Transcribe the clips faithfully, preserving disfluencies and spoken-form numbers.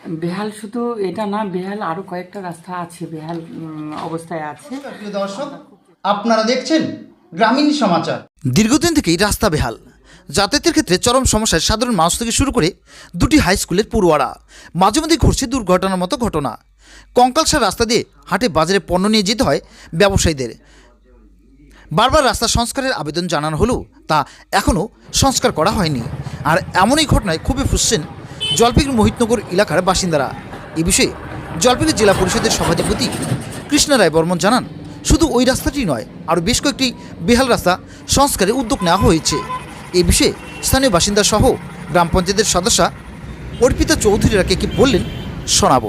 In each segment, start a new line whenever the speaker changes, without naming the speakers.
বেহাল শুধু এটা না, বেহাল আরও কয়েকটা রাস্তা আছে, বেহাল উম, অবস্থায় আছে।
প্রিয় দর্শক, আপনারা দেখছেন গ্রামীণ সমাচার।
দীর্ঘদিন থেকেই রাস্তা বেহাল, যাতায়াতের ক্ষেত্রে চরম সমস্যায় সাধারণ মানুষ থেকে শুরু করে দুটি হাই স্কুলের পড়ুয়ারা। মাঝে মধ্যে ঘটছে দুর্ঘটনার মতো ঘটনা। কঙ্কালসার রাস্তা দিয়ে হাটে বাজারে পণ্য নিয়ে যেতে হয় ব্যবসায়ীদের। বারবার রাস্তা সংস্কারের আবেদন জানানো হলেও তা এখনও সংস্কার করা হয়নি। আর এমনই ঘটনায় ক্ষোভে ফুঁসছেন জলপাইগুড়ি মোহিতনগর এলাকার বাসিন্দারা। এ বিষয়ে জলপাইগুড়ি জেলা পরিষদের সভাধিপতি কৃষ্ণ রায় বর্মন জানান, শুধু ওই রাস্তাটি নয়, আরও বেশ কয়েকটি বেহাল রাস্তা সংস্কারের উদ্যোগ নেওয়া হয়েছে। এ বিষয়ে স্থানীয় বাসিন্দা সহ গ্রাম পঞ্চায়েতের সদস্যা অর্পিতা চৌধুরীরা কে কি বললেন শোনাবো।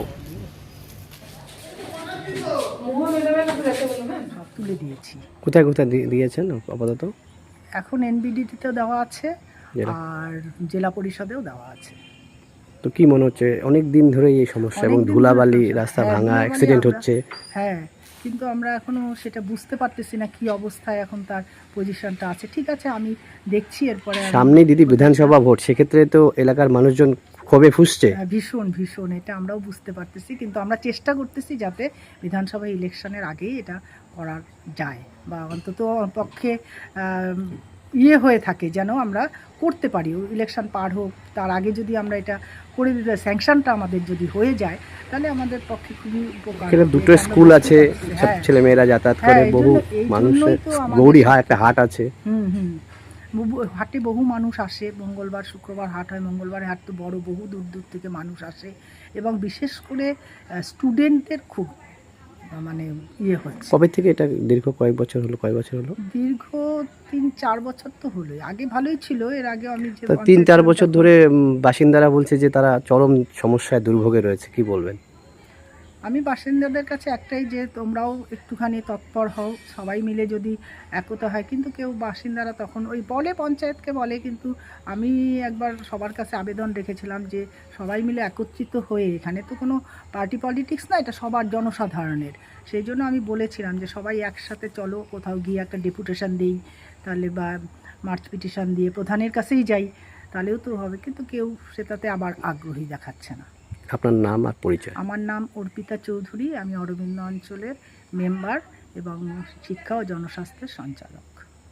তুলে দিয়েছি।
কোথায় কোথায় দিয়েছেন আপাতত?
এখন এনবিডিটিতেও দেওয়া আছে আর জেলা পরিষদেও দেওয়া আছে।
তো কি মনে হচ্ছে অনেক দিন ধরে এই সমস্যা এবং ধুলাবালি রাস্তা ভাঙা, অ্যাক্সিডেন্ট হচ্ছে?
হ্যাঁ, কিন্তু আমরা এখনো সেটা বুঝতে পারতেছি না কি অবস্থায় এখন তার পজিশনটা আছে। ঠিক আছে, আমি দেখছি। এরপরে
সামনে দিদি বিধানসভা ভোট, সেক্ষেত্রে তো এলাকার মানুষজন ক্ষোভে ফুঁসছে।
ভীষণ ভীষণ এটা আমরাও বুঝতে পারতেছি, কিন্তু আমরা চেষ্টা করতেছি যাতে বিধানসভা ইলেকশনের আগেই এটা করা যায়, বা অন্তত পক্ষে ইয়ে হয়ে থাকে যেন আমরা করতে পারি। ইলেকশন পার হোক, তার আগে যদি আমরা এটা করে দিতে, স্যাংশনটা আমাদের যদি হয়ে যায়, তাহলে আমাদের পক্ষে খুবই উপকার।
এখানে দুটো স্কুল আছে, সব ছেলে মেয়েরা যাতায়াত করে, বহু মানুষের গৌরী হাট একটা হাট আছে।
হুম হুম হাটে বহু মানুষ আসে, মঙ্গলবার শুক্রবার হাট হয়, মঙ্গলবারে হাট তো বড়, বহু দূর দূর থেকে মানুষ আসে, এবং বিশেষ করে স্টুডেন্টদের খুব মানে ইয়ে হচ্ছে।
কবে থেকে এটা? দীর্ঘ কয়েক বছর হলো? কয়েক বছর হলো?
দীর্ঘ তিন চার বছর তো হলোই। আগে ভালোই ছিল, এর আগে আমি যে
তিন চার বছর ধরে বাসিন্দারা বলছে যে তারা চরম সমস্যায় দুর্ভোগে রয়েছে, কি বলবেন?
আমি বাসিন্দাদের কাছে একটাই, যে তোমরাও একটুখানি তৎপর হও, সবাই মিলে যদি একতা হয়। কিন্তু কেউ বাসিন্দারা তখন ওই বলে, পঞ্চায়েতকে বলে, কিন্তু আমি একবার সবার কাছে আবেদন রেখেছিলাম যে সবাই মিলে একত্রিত হয়ে, এখানে তো কোনো পার্টি পলিটিক্স না, এটা সবার জনসাধারণের, সেই জন্য আমি বলেছিলাম যে সবাই একসাথে চলো, কোথাও গিয়ে একটা ডেপুটেশন দিই, তাহলে বা মার্চ পিটিশন দিয়ে প্রধানের কাছেই যাই, তাহলেও তো হবে। কিন্তু কেউ সেটাতে আবার আগ্রহী দেখাচ্ছে না।
আপনার নাম আর পরিচয়?
আমার নাম অর্পিতা চৌধুরী, আমি অরবিন্দ অঞ্চলের মেম্বার এবং শিক্ষা ও জনস্বাস্থ্যের সঞ্চালক।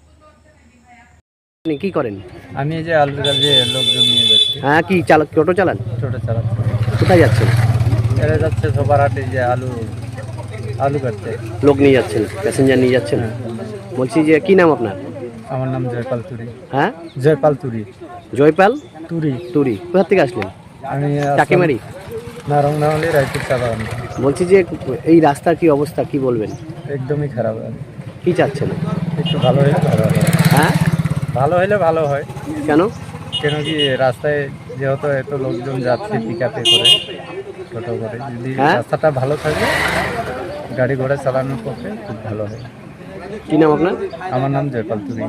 আপনি কি করেন?
আমি এই যে আলুর কাজে লোকজন নিয়ে যাচ্ছি।
হ্যাঁ, কি চালক? টোটো চালান?
টোটো চালাচ্ছি।
কোথায় যাচ্ছেন?
এরা যাচ্ছে সবার হাটে, যে আলু আলু কাটতে
লোক নিয়ে যাচ্ছেন, প্যাসেঞ্জার নিয়ে যাচ্ছেন? বলছি যে কি নাম আপনার?
আমার নাম জয়পাল তুরি।
হ্যাঁ,
জয়পাল তুরি।
জয়পাল
তুরি।
তুরি। কোথা থেকে আসলেন?
আমি
চাকিমারি।
না, রংনাহলি, রায়পুর চা বাগান।
বলছি যে এই রাস্তার কি অবস্থা, কি বলবেন?
একদমই খারাপ।
কি চাচ্ছেন?
একটু ভালো হলে ভালো হয়।
হ্যাঁ,
ভালো হলে ভালো হয়।
কেন?
কেন কি রাস্তায় যেহেতু এত লোকজন যাচ্ছে পিকআপে করে, টোটো করে, যদি রাস্তাটা ভালো থাকে গাড়ি ঘোড়া চালানোর পক্ষে খুব ভালো হয়।
কি নাম আপনার?
আমার নাম জয়পাল তুরি।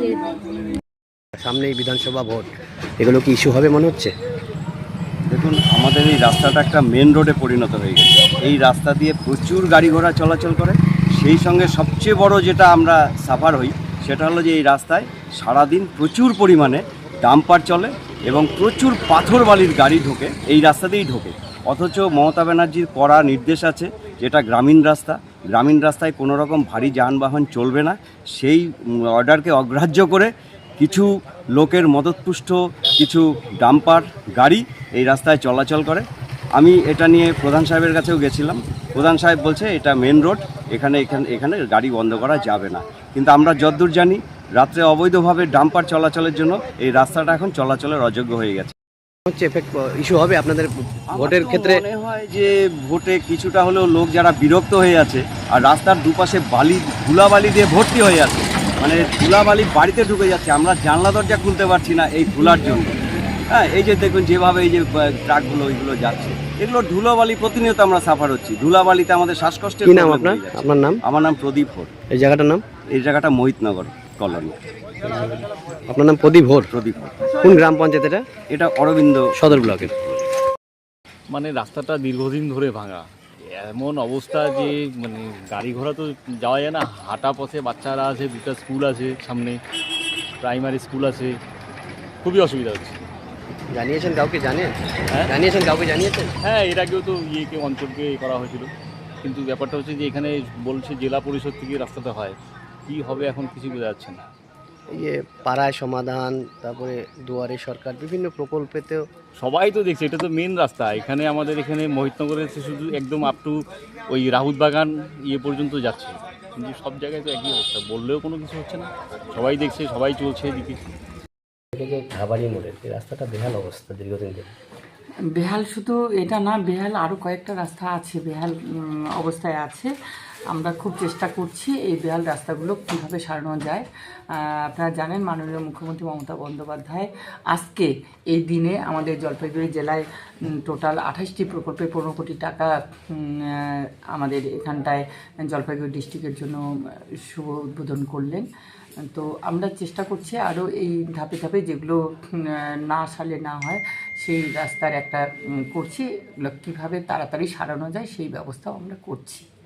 সামনে এই বিধানসভা ভোট, এগুলো কি ইস্যু হবে মনে হচ্ছে?
দেখুন, আমাদের এই রাস্তাটা একটা মেন রোডে পরিণত হয়ে গেছে। এই রাস্তা দিয়ে প্রচুর গাড়ি ঘোড়া চলাচল করে। সেই সঙ্গে সবচেয়ে বড় যেটা আমরা সাফার হই, সেটা হলো যে এই রাস্তায় সারাদিন প্রচুর পরিমাণে ডাম্পার চলে এবং প্রচুর পাথর বালির গাড়ি ঢোকে, এই রাস্তা দিয়েই ঢোকে। অথচ মমতা ব্যানার্জির কড়া নির্দেশ আছে, যেটা গ্রামীণ রাস্তা, গ্রামীণ রাস্তায় কোনো রকম ভারী যানবাহন চলবে না। সেই অর্ডারকে অগ্রাহ্য করে কিছু লোকের মদতপুষ্ট কিছু ডাম্পার গাড়ি এই রাস্তায় চলাচল করে। আমি এটা নিয়ে প্রধান সাহেবের কাছেও গেছিলাম। প্রধান সাহেব বলছে এটা মেন রোড, এখানে এখানে এখানে গাড়ি বন্ধ করা যাবে না। কিন্তু আমরা যতদূর জানি, রাত্রে অবৈধভাবে ডাম্পার চলাচলের জন্য এই রাস্তাটা এখন চলাচলের অযোগ্য হয়ে গেছে।
হচ্ছে এফেক্ট ইস্যু হবে আপনাদের ভোটের ক্ষেত্রে?
মনে হয় যে ভোটে কিছুটা হলেও লোক যারা বিরক্ত হয়ে আছে, আর রাস্তার দুপাশে বালি ধুলাবালি দিয়ে ভর্তি হয়ে আছে, মানে ধুলাবালি বাড়িতে ঢুকে যাচ্ছে, আমরা জানলা দরজা খুলতে পারছি না এই ধুলার জন্য। হ্যাঁ, এই যে দেখুন যেভাবে এই যে ট্রাকগুলো ওইগুলো যাচ্ছে, এগুলো ধুলাবালি প্রতিনিয়ত আমরা সাফার হচ্ছি। ধুলাবালিতে আমাদের শ্বাসকষ্টের।
কি নাম আপনার? আপনার নাম?
আমার নাম প্রদীপ ভোর।
এই জায়গাটার নাম?
এই জায়গাটা মোহিতনগর কলোনি।
আপনার নাম প্রদীপ ভোর?
প্রদীপ ভোর।
কোন গ্রাম পঞ্চায়েত এটা?
এটা অরবিন্দ
সদর ব্লকের।
মানে রাস্তাটা দীর্ঘদিন ধরে ভাঙা, এমন অবস্থা যে মানে গাড়ি ঘোড়া তো যাওয়া যায় না, হাঁটা পথে বাচ্চারা আছে, দুটো স্কুল আছে সামনে, প্রাইমারি স্কুল আছে, খুবই অসুবিধা হচ্ছে।
জানিয়েছেন কাউকে? জানেন?
হ্যাঁ
জানিয়েছেন কাউকে? জানিয়েছেন?
হ্যাঁ এর আগেও তো ইয়েকে অঞ্চলকে এ করা হয়েছিল, কিন্তু ব্যাপারটা হচ্ছে যে এখানে বলছে জেলা পরিষদ থেকে রাস্তাটা হয়, কি হবে এখন কিছু বোঝা যাচ্ছে না।
এই যে পাড়ায় সমাধান, তারপরে দুয়ারে সরকার, বিভিন্ন প্রকল্পেতেও
সবাই তো দেখছে এটা তো মেন রাস্তা, এখানে আমাদের এখানে মহিতনগরের শুধু একদম আপ টু ওই রাহুত বাগান ইয়ে পর্যন্ত যাচ্ছে, কিন্তু সব জায়গায় তো একই অবস্থা, বললেও কোনো কিছু হচ্ছে না, সবাই দেখছে, সবাই চলছে এদিকে।
যে ঘাবাড়ি মোড়ের এই রাস্তাটা বেহাল অবস্থা দীর্ঘদিন ধরে।
বেহাল শুধু এটা না, বেহাল আরও কয়েকটা রাস্তা আছে বেহাল উম, অবস্থায় আছে। আমরা খুব চেষ্টা করছি এই বেহাল রাস্তাগুলো কীভাবে সারানো যায়। আহ, আপনারা জানেন মাননীয় মুখ্যমন্ত্রী মমতা বন্দ্যোপাধ্যায় আজকে এই দিনে আমাদের জলপাইগুড়ি জেলায় টোটাল আঠাশটি প্রকল্পে পনেরো কোটি টাকা উম, আহ, আমাদের এখানটায় জলপাইগুড়ি ডিস্ট্রিক্টের জন্য শুভ উদ্বোধন করলেন। তো আমরা চেষ্টা করছি আরও এই ধাপে ধাপে যেগুলো উম, না সালে না হয় সেই রাস্তার একটা উম, করছি, এগুলো কীভাবে তাড়াতাড়ি সারানো যায় সেই ব্যবস্থাও আমরা করছি।